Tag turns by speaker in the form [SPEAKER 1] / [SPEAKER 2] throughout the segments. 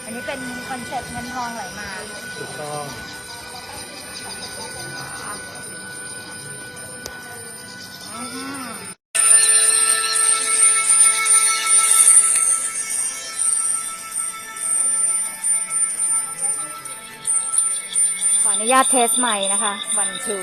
[SPEAKER 1] อันนี้เป็นคอนเซ็ปต์เงินทองไหลมา
[SPEAKER 2] ถูกต้อง
[SPEAKER 1] ขออนุญาตเทสใหม่นะคะวันทู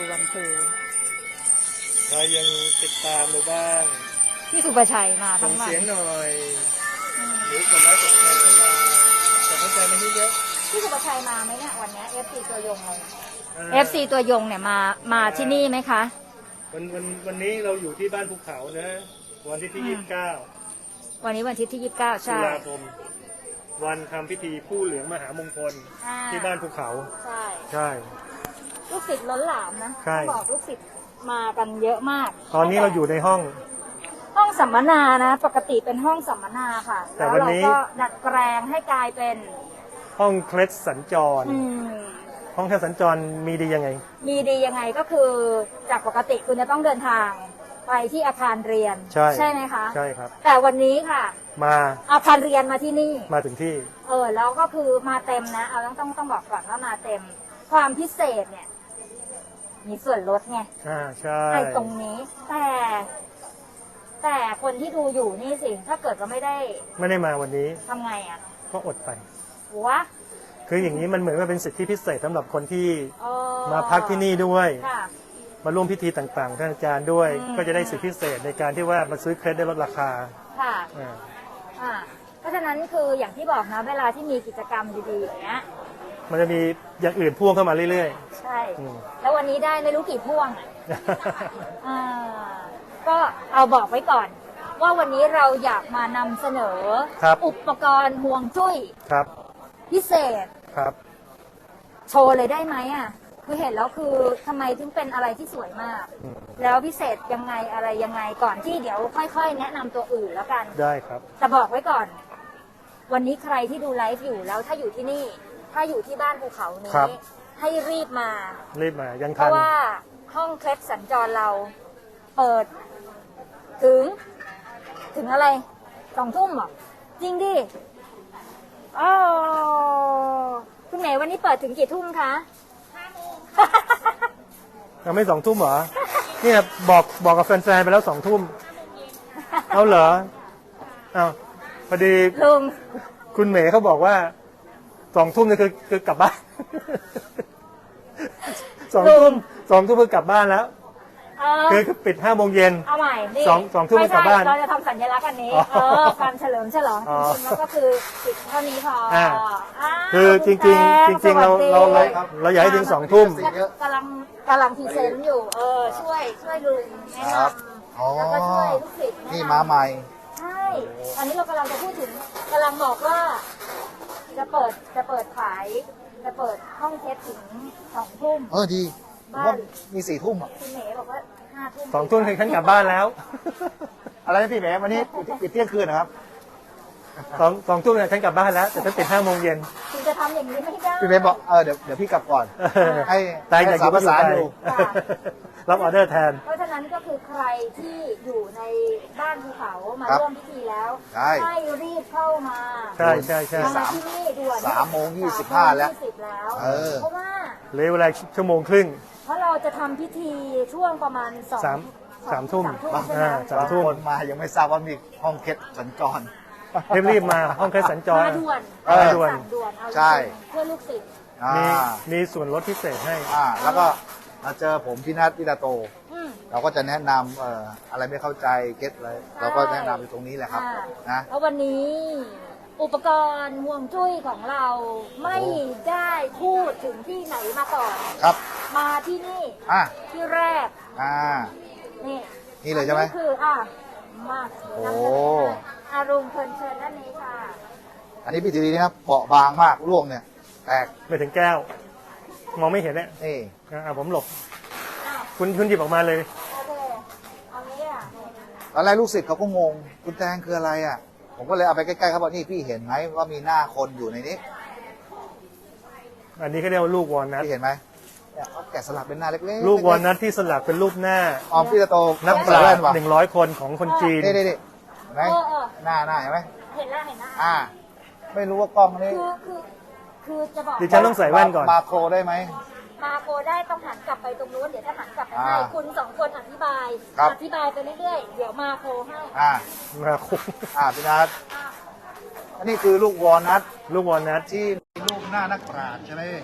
[SPEAKER 2] ใครยังติดตามหรือบ้าง
[SPEAKER 1] พี่สุประชัยมา
[SPEAKER 2] ส่
[SPEAKER 1] ทั้
[SPEAKER 2] ง
[SPEAKER 1] งวัน
[SPEAKER 2] เสียงหน่อยหรือกดไลค์กดแชร์เข้ามาส่งกำลังใจมาที่เยอะ
[SPEAKER 1] พี่สุประชัยมาไหมเนี่ยวันนี้ FC ตัวยงเลย FC ตัวยงเนี่ยมาที่นี่ไหมคะ
[SPEAKER 2] วันนี้เราอยู่ที่บ้านภูเขานะวันที่29
[SPEAKER 1] วันนี้วันที่29ใช่
[SPEAKER 2] ตุลาคมวันทำพิธีผู้เหลืองมหามงคลที่บ้านภูเขาใช่
[SPEAKER 1] ลูกศิษย์ล้นหลามนะ
[SPEAKER 2] ใช่
[SPEAKER 1] บอกลูกศิษย์มากันเยอะมาก
[SPEAKER 2] ตอนนี้เราอยู่ในห้อง
[SPEAKER 1] สัมมนานะปกติเป็นห้องสัมมนาค่ะ
[SPEAKER 2] แต่วันนี้
[SPEAKER 1] ก็ดัดแปลงให้กลายเป็น
[SPEAKER 2] ห้องเคล็ดสัญจรห้องเคล็ดสัญจรมีดียังไง
[SPEAKER 1] ก็คือจากปกติคุณจะต้องเดินทางไปที่อาคารเรียนใช่ไหมคะ
[SPEAKER 2] ใช่ครับ
[SPEAKER 1] แต่วันนี้ค่ะ
[SPEAKER 2] มา
[SPEAKER 1] อาคารเรียนมาที่นี่
[SPEAKER 2] มาถึงที่
[SPEAKER 1] แล้วก็คือมาเต็มนะต้องบอกก่อนว่ามาเต็มความพิเศษเนี่ยมีส่วนลดไง
[SPEAKER 2] ใช่
[SPEAKER 1] ไอ้ตรงนี้แต่คนที่ดูอยู่นี่สิถ้าเกิดว่าไม่ได้
[SPEAKER 2] มาวันนี้
[SPEAKER 1] ทำไงอ่ะ
[SPEAKER 2] ก็อดไป
[SPEAKER 1] วะ
[SPEAKER 2] คืออย่างนี้มันเหมือนว่าเป็นสิทธิพิเศษสำหรับคนที่มาพักที่นี่ด้วยมาร่วมพิธีต่างๆท่านอาจารย์ด้วยก็จะได้สิทธิพิเศษในการที่ว่ามาซื้อเครดิตได้ลดราคา
[SPEAKER 1] ค่ะเพราะฉะนั้นคืออย่างที่บอกนะเวลาที่มีกิจกรรมดีๆอย่างเงี้ย
[SPEAKER 2] มันจะมีอย่างอื่นพ่วงเข้ามาเรื่อย
[SPEAKER 1] ๆใช่แล้ววันนี้ได้ไม่รู้กี่พ่วงก็เอาบอกไว้ก่อนว่าวันนี้เราอยากมานำเสนออุปกรณ์ห่วงจุ้ยพิเศษโชว์เลยได้ไหมอ่ะคือเห็นแล้วคือทำไมถึงเป็นอะไรที่สวยมากแล้วพิเศษยังไงอะไรยังไงก่อนที่เดี๋ยวค่อยๆแนะนำตัวอื่นแล้วกัน
[SPEAKER 2] ได้ครับ
[SPEAKER 1] แต่บอกไว้ก่อนวันนี้ใครที่ดูไลฟ์อยู่แล้วถ้าอยู่ที่นี่ถ้าอยู่ที่บ้านภูเขานี้ให้รีบมา
[SPEAKER 2] ยังทัน
[SPEAKER 1] เพราะว่าห้องเคล็ดสัญจรเราเปิดถึงอะไร2 ทุ่มหรอจริงดิคุณไหนวันนี้เปิดถึงกี่ทุ่มคะ5 โมง
[SPEAKER 2] ยังไม่2 ทุ่มเหรอเนี่ยบอกกับแฟนๆไปแล้ว2 ทุ่มเอาเหรอเอาพอดี
[SPEAKER 1] ลุง
[SPEAKER 2] คุณเมย์เขาบอกว่า2 ทุ่มนี่คือกลับบ้าน2 ทุ่มคือกลับบ้านแล้วคือปิด5 โมงเย็น
[SPEAKER 1] เอาใหม่
[SPEAKER 2] 2 ทุ่มกลับบ้าน
[SPEAKER 1] เราจะทำสัญลักษณ์อันนี้การเฉลิมฉลองจริงๆแล้วก็คือปิดเท่านี้พอ
[SPEAKER 2] คือจริงเราอยากให้ถึง2 ทุ่ม
[SPEAKER 1] กำลังพรีเซนต์อยู่ช่วยลุงแนะนำแล้วก็ช่วยลูกศิษย์
[SPEAKER 3] นี่มาใหม่
[SPEAKER 1] ใช่ตอนนี้เรากำลังจะพูดถึงกำลังบอกว่าจะเปิดขายจะเปิดห้องเทสถึง2 ทุ่ม
[SPEAKER 3] ดีว่ามี4 ทุ่ม
[SPEAKER 1] คุณเมย์บอกว่า5 ทุ่ม
[SPEAKER 2] 2 ทุ่มคือฉันกลับบ้านแล้ว
[SPEAKER 3] อะไรนะพี่แหมวันนี้ปิดเที่ยงคืนนะครับ
[SPEAKER 2] 2 ทุ่มเนี่ยฉันกลับบ้านแล้วแต่ฉันปิด5 โมงเย็น
[SPEAKER 1] คุณจะทำอย่างนี้ไม่ได้
[SPEAKER 3] พี่แหมบอกเดี๋ยวพี่กลับก่อนให้
[SPEAKER 2] สามภาษาดูรับออเดอร์แทน
[SPEAKER 1] เพราะฉะนั้นก็คือใครที่อยู่ในบ้านภูเขามาร่วมพิธีแล้วให้รีบเข้ามา
[SPEAKER 2] ใช่
[SPEAKER 1] มาที่นี่ด่วน
[SPEAKER 3] 3:25แล้ว
[SPEAKER 1] เพราะว่า
[SPEAKER 2] เหลือเวลา1 ชั่วโมงครึ่ง
[SPEAKER 1] เพราะเราจะทำพิธีช่วงประมาณ
[SPEAKER 2] 3 ทุ่ม
[SPEAKER 3] 3 ทุ่มมายังไม่ทราบว่ามีห้องเคล็ดสัญจร
[SPEAKER 2] รีบมาห้องเคล็ดสัญจร
[SPEAKER 1] ด่วน
[SPEAKER 3] ใช่
[SPEAKER 1] เพื่อลูกศิษย์
[SPEAKER 2] มีส่วนลดพิเศษให้
[SPEAKER 3] แล้วก็มาเจอผมพี่นัทวิดาโตเราก็จะแนะนำอะไรไม่เข้าใจเก็ตอะไรเราก็แนะนำอยู่ตรงนี้แหละครับนะ
[SPEAKER 1] เพราะวันนี้อุปกรณ์ห่วงจุ้ยของเราไม่ได้พูดถึงที่ไหนมาก่อน
[SPEAKER 3] ครับ
[SPEAKER 1] มาที่นี่ที่แรก
[SPEAKER 3] นี่เลยใช่ไหม
[SPEAKER 1] คือมาอารุณเชิญด้านนี้ค่ะ
[SPEAKER 3] อันนี้พี่ถือดีนะครับเปราะบางมากร่วงเนี่ยแตก
[SPEAKER 2] ไปถึงแก้วมองไม่เห็นเนี่ย
[SPEAKER 3] นี่
[SPEAKER 2] ผมหลบคุณหยิบออกมาเลย
[SPEAKER 3] ตอนแรกลูกศิษย์เขาก็งงคุณแตงคืออะไรอ่ะผมก็เลยเอาไปใกล้ๆเขาบอกนี่พี่เห็นไหมว่ามีหน้าคนอยู่ในนี้
[SPEAKER 2] อันนี้เขาเรียกว่าลูกวอลนัท
[SPEAKER 3] พี่เห็นไหมเขาแกะสลักเป็นหน้าเล็ก
[SPEAKER 2] ๆลูกวอลนัทที่สลักเป็นรูปหน้า
[SPEAKER 3] พี่จะโต
[SPEAKER 2] นักปราชญ์100 คนของคนจีน
[SPEAKER 3] นี่ไหมหน้าเห็นไหม
[SPEAKER 1] เห็นแล้ว
[SPEAKER 3] ไม่รู้ว่ากล้องนี้
[SPEAKER 1] คือจะบอก
[SPEAKER 2] ดิฉันต้องใส่แว่นก่อน
[SPEAKER 3] มาโครได้ไหม
[SPEAKER 1] มาโกได้ต้องหันกลับไปตรงนู้นเดี๋ยวจะหันกลับไปให้
[SPEAKER 3] อ่า
[SPEAKER 1] คุณสองคนอธิบาย
[SPEAKER 3] ครับ
[SPEAKER 1] อธิบายไปเรื่อยๆเดี๋ยวมาโคให้
[SPEAKER 2] มาคุ
[SPEAKER 3] พี่นัทอันนี้คือลูกวอลนัท
[SPEAKER 2] ลูกวอลนัท
[SPEAKER 3] ที่มีรูปหน้านักปราชญ์ใช่ไหม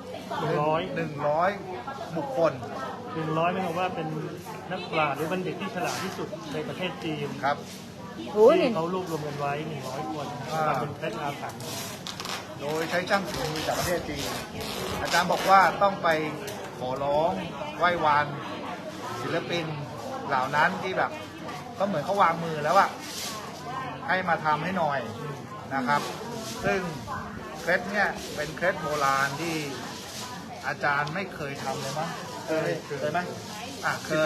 [SPEAKER 3] 100 บุคคล
[SPEAKER 2] 100ไม่บอกว่าเป็นนักปราชญ์หรือบัณฑิตที่ฉลาดที่สุดในประเทศจีน
[SPEAKER 3] ครับ
[SPEAKER 1] โอ้ย
[SPEAKER 2] ที่เขารวบรวมกันไว้100 คน
[SPEAKER 3] อ่า
[SPEAKER 2] ทำเป็นเคล็ดอาถรรพ์
[SPEAKER 3] โดยใช้ช่างฝีมือจากประเทศจีน อาจารย์บอกว่าต้องไปขอร้องไหว้วานศิลปินเหล่านั้นที่แบบก็เหมือนเขาวางมือแล้วอะให้มาทำให้หน่อยนะครับ ซึ่งเคล็ดเนี่ยเป็นเคล็ดโบราณที่อาจารย์ไม่เคยทำเลยมั้งเคยไหมเคย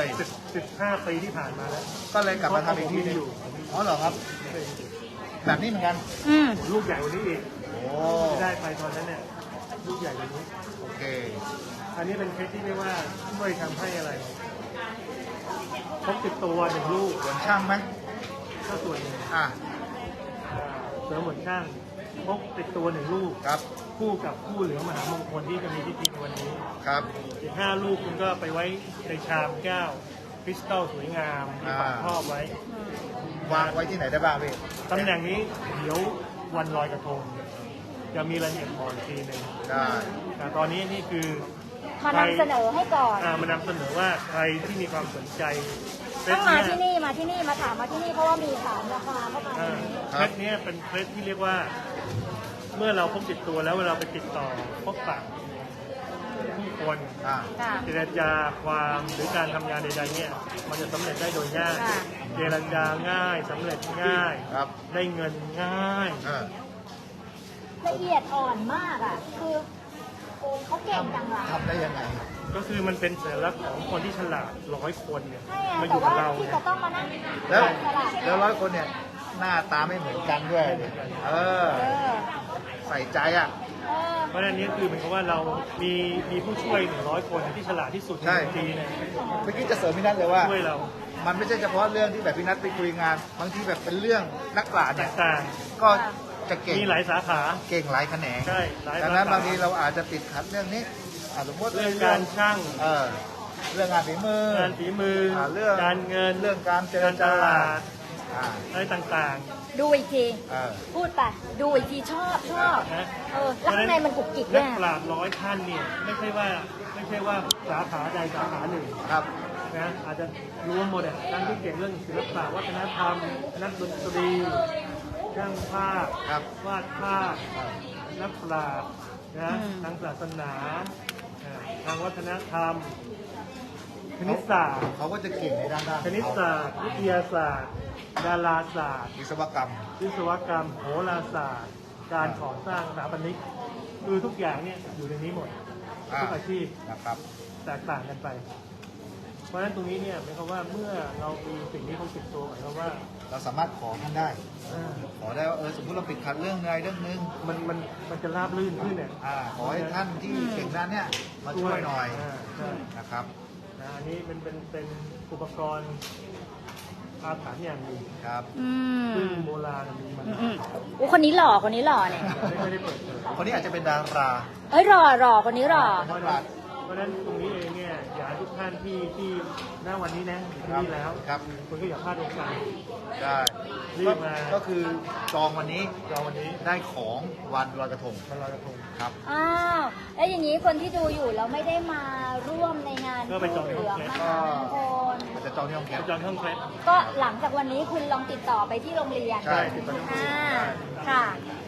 [SPEAKER 2] 15 ปีที่ผ่านมาแล้ว
[SPEAKER 3] ก็เลยกลับมาทำอีกทีนึงอ๋อเหรอครับ แบบนี้เหมือนกัน
[SPEAKER 1] อืม
[SPEAKER 2] ลูกใหญ่กว่านี้อีก
[SPEAKER 3] โอ้
[SPEAKER 2] ที่ได้ไปตอนนั้นเนี่ยลูกใหญ่กว่านี้
[SPEAKER 3] โอเค
[SPEAKER 2] อันนี้เป็นเคสที่เรียกว่าช่วยทำให้อะไรพกติดตัว1 ลูก
[SPEAKER 3] ส่วนช่างไหม
[SPEAKER 2] ก็ส่วนหนึ่ง เสริมเหมือนช่างพกติดตัว1 ลูก
[SPEAKER 3] ครับ
[SPEAKER 2] คู่กับคู่เหลืองมหามงคลที่จะมีพิธีในวันนี้
[SPEAKER 3] ครับ
[SPEAKER 2] อีก5 ลูกคุณก็ไปไว้ในชามแก้วคริสตัลสวยงามมีฝาครอบไว้
[SPEAKER 3] วางไว้ที่ไหนได้บ้างพี่
[SPEAKER 2] ตำแหน่งนี้เดี๋ยววันลอยกระทงจะมีรายละเอียดบอกอีกทีหนึ่ง
[SPEAKER 3] ได้
[SPEAKER 2] แต่ตอนนี้นี่คือ
[SPEAKER 1] มานำเสนอให้ก่อน
[SPEAKER 2] มานำเสนอว่าใครที่มีความสนใจเซ
[SPEAKER 1] ต้
[SPEAKER 2] ต
[SPEAKER 1] องมา
[SPEAKER 2] เนี้ย
[SPEAKER 1] ที่นี่มาที่นี่มาถามมาที่นี่เพราะว่ามีถามราคาเข้ามาในนี้
[SPEAKER 2] เคล็ดเนี้ยเป็นเคล็ดที่เรียกว่า เมื่อเราพกติดตัวแล้วเวลาไปติดต่อพบปะผู้คน
[SPEAKER 3] อ่า
[SPEAKER 1] ค่ะ
[SPEAKER 2] เจรจาความหรือการทำงานใดๆเนี่ยมันจะสำเร็จได้โดยง่าย
[SPEAKER 1] ค่ะ
[SPEAKER 2] เจรจาง่ายสำเร็จง่าย
[SPEAKER 3] ครับ
[SPEAKER 2] ได้เงินง่าย
[SPEAKER 1] ละเอียดอ่อนมากอ่ะ คือเขาเก่งจังเลย
[SPEAKER 3] ทำได้ยังไง
[SPEAKER 2] ก็คือมันเป็นสัญลักษณ์ของคนที่ฉลาด100 คนเนี่ย
[SPEAKER 1] ใช่อะ
[SPEAKER 2] มาอ
[SPEAKER 1] แต่
[SPEAKER 2] ยู่กับ
[SPEAKER 1] ว่า
[SPEAKER 2] เรา
[SPEAKER 1] ที่
[SPEAKER 2] เนี่ย
[SPEAKER 1] จะต้องมานั่ง
[SPEAKER 3] แล้ว
[SPEAKER 1] ฉลาด
[SPEAKER 3] แล้ว100 คนเนี่ย หน้าตาไม่เหมือนกันด้วย เออ
[SPEAKER 1] เออ
[SPEAKER 3] ใส่ใจอ่ะ
[SPEAKER 1] เออ
[SPEAKER 2] เพราะฉะนั้นนี่คือเหมือนกับว่าเรามีผู้ช่วย100 คนที่ฉลาดที่สุดใน
[SPEAKER 3] ใช่
[SPEAKER 2] จีนเนี่ย
[SPEAKER 3] เมื่อกี้จะเสริมพี่นัทเลยว่า
[SPEAKER 2] ช่วยเรา
[SPEAKER 3] มันไม่ใช่เฉพาะเรื่องที่แบบพี่นัทไปคุยงาน บางทีแบบเป็นเรื่องนักปราชญ์เนี่ย
[SPEAKER 2] ต่าง
[SPEAKER 3] ก็จะเก่ง
[SPEAKER 2] ๆมีหลายสาขา
[SPEAKER 3] เก่งหลายแขนง
[SPEAKER 2] ใช่หลาย
[SPEAKER 3] ดังนั้น
[SPEAKER 2] สาขา
[SPEAKER 3] บางทีเราอาจจะติดขัดเรื่องนี้สมมติ
[SPEAKER 2] เรื่องการช่าง
[SPEAKER 3] เรื่องงานฝีมือ
[SPEAKER 2] งานฝีมือ
[SPEAKER 3] เรื่อง
[SPEAKER 2] การเงิน
[SPEAKER 3] เรื่องการเจร
[SPEAKER 2] การต
[SPEAKER 3] จา
[SPEAKER 2] ลาด
[SPEAKER 3] อ่า
[SPEAKER 2] อะไรต่าง
[SPEAKER 1] ดูอีกที
[SPEAKER 3] เออ
[SPEAKER 1] พูดไป ดูอีกทีชอบ
[SPEAKER 2] ๆนะ
[SPEAKER 1] เออ แล้วข้างในมันกุกกิก
[SPEAKER 2] นั
[SPEAKER 1] ด้ว
[SPEAKER 2] ก
[SPEAKER 1] ย
[SPEAKER 2] ปราชญ์100 ท่านเนี่ยไม่ใช่ว่าสาขาใดสาขาหนึ่ง
[SPEAKER 3] ครับ
[SPEAKER 2] นะอาจจะรวมหมดอ่ะทั้งที่เก่งเรื่องศิลปะวัฒนธรรมนักดนตรีช่างภาพ
[SPEAKER 3] ครับ
[SPEAKER 2] วาดภาพนักปราชญ์นะทางศาสนาทางวัฒนธรรมคณิตศาสตร์
[SPEAKER 3] เขาก็จะเก่งในด้าน
[SPEAKER 2] คณิตศาสตร์วิทยาศาสตร์ ดาราศาสตร์
[SPEAKER 3] วิศวกรรม
[SPEAKER 2] วิศวกรรม โหราศาสตร์ การก่อสร้างสถาปนิกคือทุกอย่างเนี่ยอยู่ในนี้หมด ทุกอาชีพ
[SPEAKER 3] นะครับ
[SPEAKER 2] แตกต่างกันไป เพราะฉะนั้นตรงนี้เนี่ยหมายความว่าเมื่อเรามีสิ่งนี้เขาติดตัวหมายความว่า
[SPEAKER 3] เราสามารถขอท่านได้
[SPEAKER 2] เออ
[SPEAKER 3] ขอได้ว่าสมมติเราติดขัดเรื่องใดเรื่องหนึง
[SPEAKER 2] มันจะราบลื่นขึ้นเนี่ย
[SPEAKER 3] ขอให้ท่านที่เก่งด้านเนี้ยมาช่วยหน่อย
[SPEAKER 2] ใช่
[SPEAKER 3] นะครับ
[SPEAKER 2] นะอันนี้เป็นอุปกรณ์อาถรรพ์อย่างหนึ่ง
[SPEAKER 3] ครับ
[SPEAKER 1] อืม
[SPEAKER 2] ซึ่งโบราณมีมา
[SPEAKER 1] อืมอู้คนนี้หล่อคนนี้หล่อเนี่ย
[SPEAKER 2] ไม่ได้เปิดเผย
[SPEAKER 3] คนนี้อาจจะเป็นดารา
[SPEAKER 1] เอ้ยหล่อคนนี้หล่อ
[SPEAKER 2] เพราะฉะนั้นตรงนี้เองเนี่ยอยากให้ทุกท่านที่ณวันนี้นะอยู่ที่นี่แล้ว
[SPEAKER 3] ครับ
[SPEAKER 2] คุณก็อย่าพลาดโอกาส
[SPEAKER 3] ได้
[SPEAKER 2] รีบมา
[SPEAKER 3] ก็คือจองวันนี้
[SPEAKER 2] เราวันนี้
[SPEAKER 3] ได้ของวันลอยกระทง
[SPEAKER 2] มาลอยกระทง
[SPEAKER 3] ครับ
[SPEAKER 1] อ้าวแล้วอย่างนี้คนที่ดูอยู่แล้วไม่ได้มาร่วมในงาน
[SPEAKER 2] ก็ไปจองใน
[SPEAKER 1] เห
[SPEAKER 2] ห้
[SPEAKER 1] ลื
[SPEAKER 2] อง
[SPEAKER 1] อง
[SPEAKER 2] แคส
[SPEAKER 1] มหามงคล
[SPEAKER 3] มันจะจองที่ห้องแค
[SPEAKER 2] ไป
[SPEAKER 3] ป
[SPEAKER 2] จองเครื่องเคล็ด
[SPEAKER 1] ก็หลังจากวันนี้คุณลองติดต่อไปที่โรงเรียน
[SPEAKER 3] ใช่
[SPEAKER 2] ติดต่อที่โรงเรียน
[SPEAKER 1] ค่ะ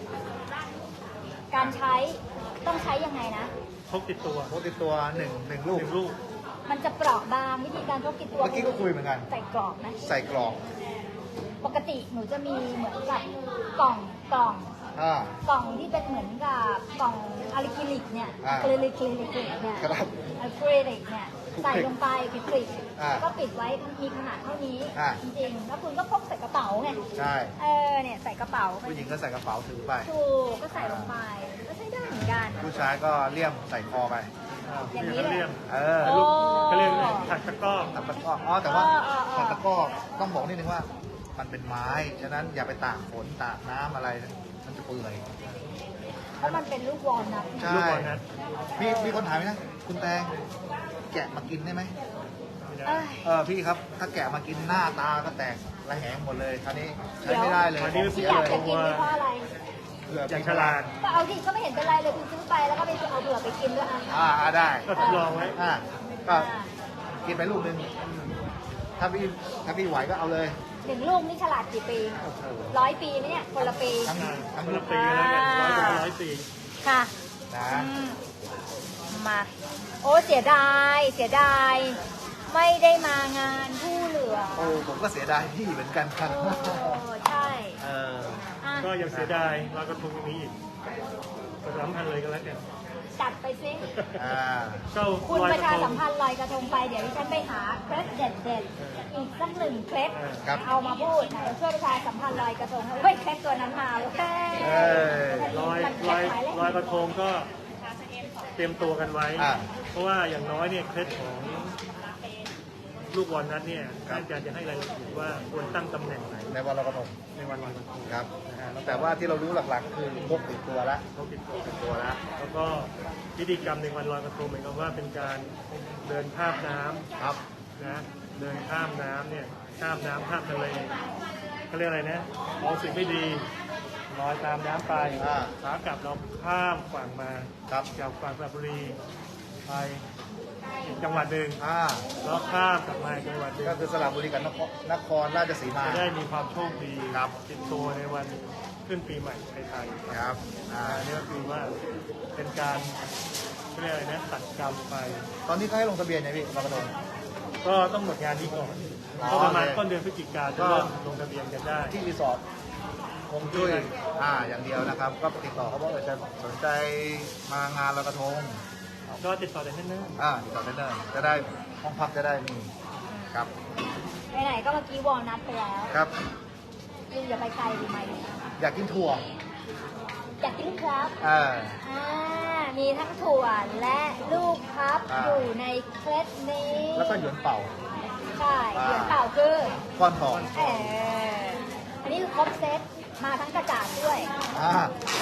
[SPEAKER 1] การใช้ต้องใช้ยังไงนะ
[SPEAKER 2] พกติดตัว
[SPEAKER 3] พกติดตัวหนึ่งลูก
[SPEAKER 2] ลูก
[SPEAKER 1] มันจะเปราะบางวิธีการพกติดตัว
[SPEAKER 3] เมื่อกี้ก็คุยเหมือนกัน
[SPEAKER 1] ใส่กรอบนะ
[SPEAKER 3] ใส่กรอก
[SPEAKER 1] ปกติหนูจะมีเหมือนกับกล่อง
[SPEAKER 3] อ่าก
[SPEAKER 1] ล่องที่เป็นเหมือนกับกล่องอะลิคริลิกเนี่ย
[SPEAKER 3] อ่า
[SPEAKER 1] อะคริลิกเนี่ย
[SPEAKER 3] ครับ
[SPEAKER 1] อะคริลิกเนี่ยใส่ลงไปปิดกริด
[SPEAKER 3] อ่า
[SPEAKER 1] แล้วก็ปิดไว้มีขนาดเท่านี้
[SPEAKER 3] อ่า
[SPEAKER 1] จริงๆแล้วคุณก็พกใส่กระเป๋าไง
[SPEAKER 3] ใช่
[SPEAKER 1] เนี่ยใส่กระเป๋าไป
[SPEAKER 3] ผู้หญิงก็ใส่กระเป๋าถือไป
[SPEAKER 1] ถูกก็ใส่ลงไปก็ใช้ได้เหมือนกัน
[SPEAKER 3] ผู้ชายก็เลี่ยมใส่คอไป
[SPEAKER 1] อย่างนี้เลย
[SPEAKER 2] เรียก
[SPEAKER 3] เออ
[SPEAKER 2] ลูกเขาเรียกถักตะกร้อ
[SPEAKER 3] ถักตะกร้อแต่ว่า
[SPEAKER 1] เออ
[SPEAKER 3] ถักตะกร้อต้องบอกนิดนึงว่ามันเป็นไม้ฉะนั้นอย่าไปตากฝนตากน้ำอะไรมันจะเปื่อย
[SPEAKER 1] เพราะมันเป็นลูกวอลนัท
[SPEAKER 3] ใช่
[SPEAKER 2] ลูกบอลนะ
[SPEAKER 3] มีคนถามไหมนะคุณแตงแกะมากินได้ไหม
[SPEAKER 1] เอ้ย
[SPEAKER 3] พี่ครับถ้าแกะมากินหน้าตาก็แตกระแหงหมดเลยคราวนี้ใช้ไม่ได้เลย
[SPEAKER 2] อันนี้
[SPEAKER 1] ที่อยากจะกินนี่เพราะอะไร
[SPEAKER 3] เผื่อ
[SPEAKER 2] อย่างฉลาด
[SPEAKER 1] ก็เอาดิก็ไม่เห็นเป็นไรเลยคุณซื้อไปแล้วก็ไปเอาเผื่อไปกินด้วยอ่ะ
[SPEAKER 3] ได้
[SPEAKER 2] ก็ทดลองไว้
[SPEAKER 3] ก็กินไปลูกนึงถ้าพี่ไหวก็เอาเลย
[SPEAKER 1] หนึ่งลูกนี่ฉลาดกี่ปี 100 ปีไหมเนี่ยคนละปี
[SPEAKER 3] ทั้ง
[SPEAKER 2] คน
[SPEAKER 3] ลู
[SPEAKER 2] ละ
[SPEAKER 3] ก
[SPEAKER 2] ปีแล้วกัน100 ปี
[SPEAKER 1] ค่ะ
[SPEAKER 3] นะ
[SPEAKER 1] อืมมาโอ้เสียดายไม่ได้มางานผู้เหลือง
[SPEAKER 3] โอ้ผมก็เสียดายพี่เหมือนกันครับ
[SPEAKER 1] โอ้ใช่ อ่ะ
[SPEAKER 2] ก็ยังเสียดายลอยกระทงยังมีอีก3,000เลยก็แล้วกัน
[SPEAKER 1] จัดไปสิ
[SPEAKER 2] ก็
[SPEAKER 1] คุณ
[SPEAKER 2] ลอย
[SPEAKER 1] ประ
[SPEAKER 2] ก
[SPEAKER 1] ชา
[SPEAKER 2] ระท
[SPEAKER 1] สั
[SPEAKER 2] ง
[SPEAKER 1] มพันธ์ลอยกระทงไปเดี๋ยวดิฉันไปหาเคล็ดเด็ดๆอีกสักหนึ่งเคล็ด
[SPEAKER 3] ครับ
[SPEAKER 1] เอามาพูดเดี๋ยวช่วยประชาสัมพันธ์ลอยกระทงเฮ้ยเคล็ดตัวนั้นมาโอเค
[SPEAKER 2] ลอยกระทงก็เตรียมตัวกันไว้ เพราะว่าอย่างน้อยเนี่ยเคล็ดของลูกวอลนัทเนี่ยอาจารย์จะให้รายละเอียดว่าควรตั้งตำแหน่งไหน
[SPEAKER 3] ในวันลอยกระทง
[SPEAKER 2] ในวันลอยกระทง
[SPEAKER 3] ครับ
[SPEAKER 2] นะฮะแล้ว
[SPEAKER 3] แต่ว่าที่เรารู้หลักๆ คือพกติดตัวละ
[SPEAKER 2] เขาติดตัว
[SPEAKER 3] ติดตัวละ
[SPEAKER 2] แล้วก็พิธีกรรมในวันลอยกระทงหมายความว่าเป็นการเดินข้ามน้ำ
[SPEAKER 3] ครับ
[SPEAKER 2] นะเดินข้ามน้ำเนี่ยข้ามน้ำข้ามทะเลเขาเรียกอะไรนะเอาสิ่งไม่ดีลอยตามน้ำไปขากลับเราข้ามฝั่งมา
[SPEAKER 3] ครับ
[SPEAKER 2] จากฝั่งสระบุรีไปอีกจังหวัดหนึ่ง
[SPEAKER 3] อ่า
[SPEAKER 2] แล้วข้ามกลับมาอีกจังหวัดหนึ่ง
[SPEAKER 3] ก็คือสระบุรีกับนครราชสีมา
[SPEAKER 2] จะได้มีความโชคดี
[SPEAKER 3] ครับ
[SPEAKER 2] ติดตัวในวันขึ้นปีใหม่ไทย
[SPEAKER 3] ครับ
[SPEAKER 2] อันนี้ก็คือว่าเป็นการเขาเรียกอะไรนะตัดกรรมไป
[SPEAKER 3] ตอนนี้เขาให้ลงทะเบียนไงพี่ลอยกระทง
[SPEAKER 2] ก็ต้องหมดงานนี้ก่อน
[SPEAKER 3] อ๋อ
[SPEAKER 2] ก็ประมาณ
[SPEAKER 3] โอเค
[SPEAKER 2] ต้นเดือนพฤศจิกาจะเริ่มลงทะเบียนกันได้
[SPEAKER 3] ที่รีสอร์ทคงจุ้ยอย่างเดียวนะครับ ก็ติดต่อเขาบอกว่าจะสนใจมางานลอยกระทง
[SPEAKER 2] ก็ติดต่อได้ที่นั่น
[SPEAKER 3] ติดต่อได้เลยจะได้ห้องพักจะได้มีครับ
[SPEAKER 1] ไหนๆก็เมื่อกี้วอลนัทไปแล้ว
[SPEAKER 3] ครับ
[SPEAKER 1] คุณอย่าไปไกลดีไหม
[SPEAKER 3] อยากกินถั่ว
[SPEAKER 1] อยากกินครับ
[SPEAKER 3] อ่า
[SPEAKER 1] มีทั้งถั่วและลูกครับ อยู่ในเคล็ดนี้
[SPEAKER 3] แล้วก็หยวนเป่า
[SPEAKER 1] ใช่เหรียญเปล่าคือ
[SPEAKER 3] ก้อนทอง
[SPEAKER 1] อันนี้คือครบเซตมาทั้งกระจาดด้วย
[SPEAKER 3] อ่าย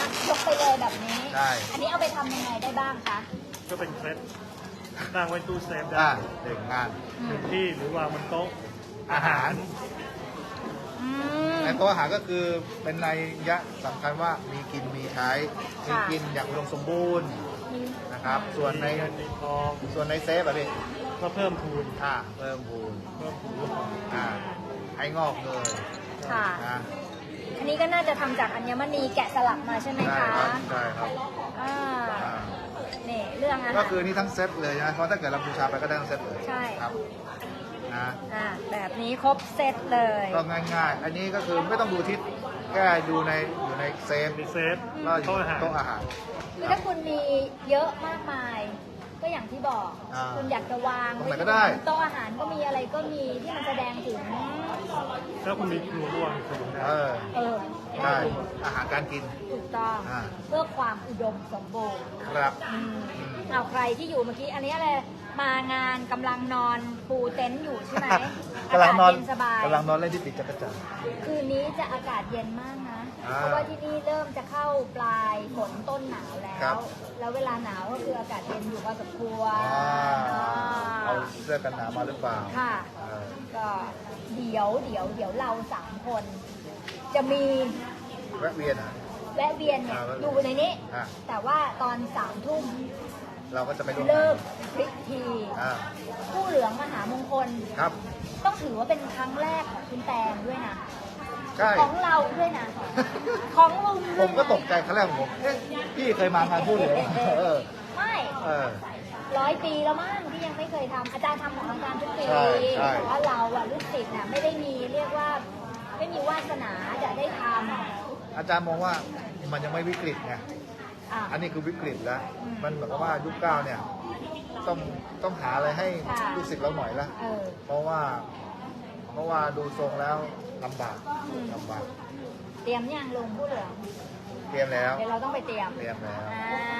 [SPEAKER 1] กไปเลยแบบนี้
[SPEAKER 3] ใช่
[SPEAKER 1] อันนี้เอาไปทำยังไงได้บ้างคะ
[SPEAKER 2] ก็เป็นเคล็ดตั้งไว้ตู้เซฟได้
[SPEAKER 3] หนึ่งงาน
[SPEAKER 2] หนึ่งที่หรือวางบนโต๊ะอาหาร
[SPEAKER 1] อืม
[SPEAKER 3] ในตัวอาหารก็คือเป็นนัยยะสำคัญว่ามีกินมีใช้มีกินอย่างอุดมสมบูรณ์นะครับ ส่วนใน
[SPEAKER 2] มีเงินมีทอง
[SPEAKER 3] เซฟอะพี่
[SPEAKER 2] ก็เพิ่มพูน
[SPEAKER 3] เพิ่มพูน
[SPEAKER 2] เพิ่มพูน
[SPEAKER 3] ให้งอกเลย
[SPEAKER 1] ค่ะ
[SPEAKER 3] นะ
[SPEAKER 1] อันนี้ก็น่าจะทำจากอัญมณีแกะสลักมาใช่ไหม
[SPEAKER 3] ใช่
[SPEAKER 1] คะ
[SPEAKER 3] ครับใช่ครับ
[SPEAKER 1] อ่า
[SPEAKER 3] อ่า
[SPEAKER 1] นี่เรื่องอาหาร
[SPEAKER 3] ก็คือนี่ทั้งเซตเลยนะเพราะถ้าเกิดเราบูชาไปก็ได้ทั้งเซตเลย
[SPEAKER 1] ใช่
[SPEAKER 3] ครับนะ
[SPEAKER 1] แบบนี้ครบเซตเลย
[SPEAKER 3] ก็ง่ายๆ อันนี้ก็คือไม่ต้องดูทิศแค่ดูอยู่ในเซฟ
[SPEAKER 2] มีเซฟ
[SPEAKER 3] ก็อยู่
[SPEAKER 2] โต๊ะอาหาร
[SPEAKER 3] โต๊ะอาหาร
[SPEAKER 1] คือถ้าคุณมีเยอะมากมาย ก็อย่างที่บอก คุณอยากจะวาง
[SPEAKER 3] ตรงไหนก็ได้
[SPEAKER 1] โต๊ะอาหารก็มีอะไรก็มีที่มันแสดงถึง
[SPEAKER 2] ถ้าคุณมีครัวร่วมสนุกได้
[SPEAKER 1] เออ
[SPEAKER 3] ใช่อาหารการกิน
[SPEAKER 1] ถูกต้อง
[SPEAKER 3] อ่า
[SPEAKER 1] เพื่อความอุดมสมบูรณ์
[SPEAKER 3] ครับ
[SPEAKER 1] เอาใครที่อยู่เมื่อกี้ อันนี้อะไรมางานกำลังนอนปูเต็นท์อยู่ใช่ไหม
[SPEAKER 3] กำลังนอน
[SPEAKER 1] เย็นสบาย
[SPEAKER 3] กำลังนอนเล่นที่ติดจักรจันทร์
[SPEAKER 1] คืนนี้จะอากาศเย็นมากนะ เพราะว่าที่นี่เริ่มจะเข้าปลายฝนต้นหนาวแล้
[SPEAKER 3] ครั
[SPEAKER 1] ว
[SPEAKER 3] บ
[SPEAKER 1] แล้วเวลาหนาวก็คืออากาศเย็นอยู่พอสมควร
[SPEAKER 3] เอาเสื้อกันหนาวมาหรือเปล่า
[SPEAKER 1] ค่ะ
[SPEAKER 3] เออ
[SPEAKER 1] ก็เดี๋ยวเรา3 คน จะมี
[SPEAKER 3] แวะเวียนอ่ะ
[SPEAKER 1] แวะเวียนเนี่ย
[SPEAKER 3] อ่า
[SPEAKER 1] อยู่ในนี้
[SPEAKER 3] อ่า
[SPEAKER 1] แต่ว่าตอน3 ทุ่ม
[SPEAKER 3] เราก็จะไปร่วม
[SPEAKER 1] เลิกพิธี
[SPEAKER 3] อ่า
[SPEAKER 1] ผู้เหลืองมหามงคล
[SPEAKER 3] ครับ
[SPEAKER 1] ต้องถือว่าเป็นครั้งแรกของคุณแตงด้วยนะ
[SPEAKER 3] ใช่
[SPEAKER 1] ของเราด้วยนะ ของลุง
[SPEAKER 3] ผ
[SPEAKER 1] ด้วย
[SPEAKER 3] ม
[SPEAKER 1] นะ
[SPEAKER 3] ก็ตกใจครั้งแรกของผมพี่เคยมางานพูดเลยเออ
[SPEAKER 1] ไม่
[SPEAKER 3] เออ
[SPEAKER 1] 100 ปีแล้วมั้งที่ยังไม่เคยทำอาจารย์ทำของอาจารย์ทุกปี
[SPEAKER 3] ใช่ใช่
[SPEAKER 1] แต่ว่าเราอะลูกศิษย์น่ะไม่ได้มีเรียกว่าไม่มีวาสนาจะได้ทำ
[SPEAKER 3] อาจารย์มองว่ามันยังไม่วิกฤตไง
[SPEAKER 1] อ่ะ
[SPEAKER 3] อันนี้คือวิกฤตแล้ว
[SPEAKER 1] อืม
[SPEAKER 3] มันเหมือนกับว่ายุคเก้าเนี่ยต้องหาอะไรให้
[SPEAKER 1] ค่ะ
[SPEAKER 3] ลูกศิษย์เราหน่อยละ
[SPEAKER 1] เออ
[SPEAKER 3] เพราะว่าดูทรงแล้วลำบาก
[SPEAKER 1] อืม
[SPEAKER 3] ลำบาก
[SPEAKER 1] เตรียมยังลงผู้เหลือง
[SPEAKER 3] เตรียมแล้ว
[SPEAKER 1] เดี๋ยวเราต้องไปเตรียม
[SPEAKER 3] เตรียมแล้ว
[SPEAKER 1] แล้ว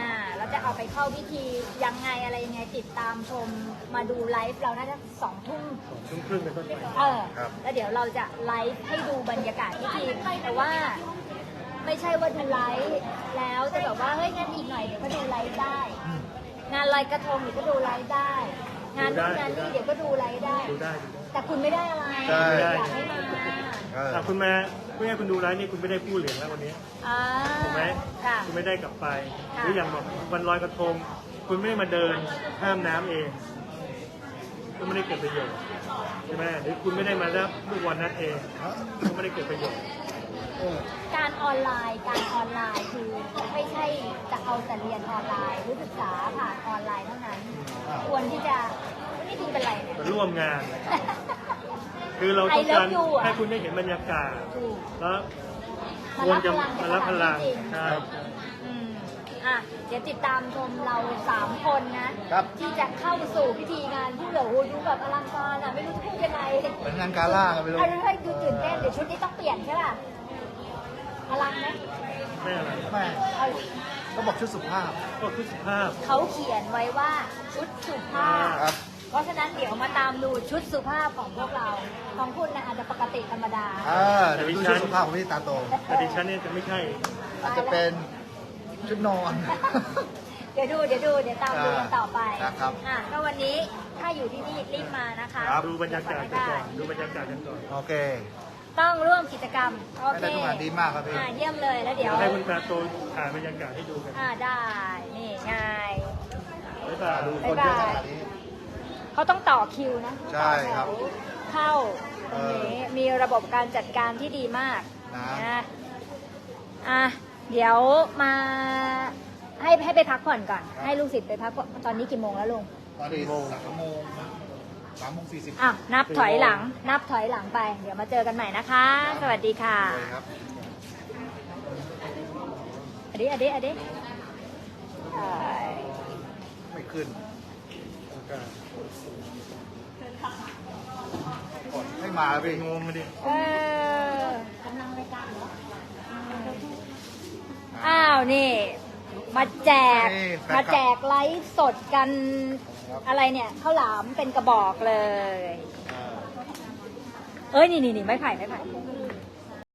[SPEAKER 1] จะเอาไปเข้าพิธียังไงอะไรยังไงติดตามชมมาดูไลฟ์เราน่าจะ2 ทุ่ม
[SPEAKER 2] 2 ทุ่มครึ่งเป็นต้นไป
[SPEAKER 1] แล้วเดี๋ยวเราจะไลฟ์ให้ดูบรรยากาศพิธีแต่ว่าไม่ใช่ว่าดูไลฟ์แล้วจะแบบว่าเฮ้ยงั้นอีกหน่อยเดี๋ยวก็ดูไลฟ์ได้ งานลอยกระทงเดี๋ยวก็ดูไลฟ์ได้ งานนู่นงานนี่เดี๋ยวก็ดูไลฟ์ได้
[SPEAKER 2] ดูได้
[SPEAKER 1] แต่คุณไม่ได้อะไร
[SPEAKER 3] ใช่
[SPEAKER 1] อยากให้มา
[SPEAKER 2] คุณมาเพื่อให้คุณดูไลฟ์นี่คุณไม่ได้ผู้เหรียญแล้ววันนี้ ถูกไหม
[SPEAKER 1] ค่ะ
[SPEAKER 2] คุณไม่ได้กลับไป
[SPEAKER 1] ค่ะ
[SPEAKER 2] หรืออย่างแบบวันลอยกระทง คุณไม่ได้มาเดินข้ามน้ำเองก็ไม่ได้เกิดประโยชน์ใช่ไหมหรือคุณไม่ได้มารับลูกวันนัดเองก็ไม่ได้เกิดประโยชน์
[SPEAKER 1] การออนไลน์คือไม่ใช่จะเอาแต่เรียนออนไลน์หรือศึกษาผ่านออนไลน์เท่านั้นควรที่จะนี่ดูเป็นไรเนี่ย
[SPEAKER 2] มาร่วมงาน คือเราต้องการ
[SPEAKER 1] I love you อะ
[SPEAKER 2] ให้คุณได้เห็นบรรยากาศ
[SPEAKER 1] ถูก
[SPEAKER 2] แล้ว
[SPEAKER 1] มา
[SPEAKER 2] ควร
[SPEAKER 1] รับ
[SPEAKER 2] จะ
[SPEAKER 1] พลัง
[SPEAKER 2] มารับพลัง
[SPEAKER 1] จริง
[SPEAKER 2] ใช่
[SPEAKER 1] อืมเดี๋ยวติดตามชมเรา3 คนนะ
[SPEAKER 3] ครับ
[SPEAKER 1] ที่จะเข้าสู่พิธีงานผู้เหลือหูดูแบบอลังการไม่รู้จะพูดยังไง
[SPEAKER 3] เหมือนงานกาล่ากันไปเลย
[SPEAKER 1] ให้ดูตื่นเต้นเดี๋ยวชุดนี้ต้องเปลี่ยนใช่ป่ะอลังไหม
[SPEAKER 2] ไม่อะไร
[SPEAKER 3] แม่
[SPEAKER 1] เอา
[SPEAKER 3] ก็บอกชุดสุภาพ
[SPEAKER 2] ก็คือสุภาพ
[SPEAKER 1] เขาเขียนไว้ว่าชุดสุภาพ
[SPEAKER 3] ครับ
[SPEAKER 1] เพราะฉะนั้นเดี๋ยวมาตามดูชุดสุภาพของพวกเรา ของคุณนะอาจจะปกติธรรมดา
[SPEAKER 3] เดี๋ยวดูชุดสุภาพของพี่ตาโต
[SPEAKER 2] แต่ดิฉันเนี่ยจะไม่ใช่
[SPEAKER 3] อาจจะเป็นชุดนอน
[SPEAKER 1] เดี๋ยวตามดูกันต่อไป
[SPEAKER 3] ครับ
[SPEAKER 1] ก็วันนี้ถ้าอยู่ที่นี่รีบมานะคะ
[SPEAKER 2] ดูบรรยากาศกันก่อน ดูบรรยากาศกันก่อน
[SPEAKER 3] โอเค
[SPEAKER 1] ต้องร่วมกิจกรรม โอเค
[SPEAKER 3] ได้ทุกงานดีมากครับพี่
[SPEAKER 1] เยี่ยมเลยแล้วเดี๋ยว
[SPEAKER 2] ให้คุณตาโตถ่ายบรรยากาศให้ดูกัน
[SPEAKER 1] ได้ นี่ไง
[SPEAKER 2] บ๊ายบาย
[SPEAKER 3] ดูคนเยอะขนาดนี้
[SPEAKER 1] เขาต้องต่อคิวนะ
[SPEAKER 3] ใช่ครับ
[SPEAKER 1] ต่อแถวเข้าตรงนี้มีระบบการจัดการที่ดีมาก
[SPEAKER 3] นะ
[SPEAKER 1] เดี๋ยวมาให้ไปพักผ่อนก่อน ให้ลูกศิษย์ไปพักผ่อนตอนนี้กี่โมงแล้วลุง
[SPEAKER 3] ตอนนี้3:40
[SPEAKER 1] นับถอยหลังไป เดี๋ยวมาเจอกันใหม่นะคะ สวัสดีค่ะ
[SPEAKER 3] เลยครับ
[SPEAKER 1] อดี
[SPEAKER 3] ไม่ขึ้นไม่มาแล้วพี่
[SPEAKER 2] งงมาดิ
[SPEAKER 1] กำลังรายการเหรออ้าวนี่มาแจกไลฟ์สดกันอะไรเนี่ยข้าวหลามเป็นกระบอกเลย นี่ไม้ไผ่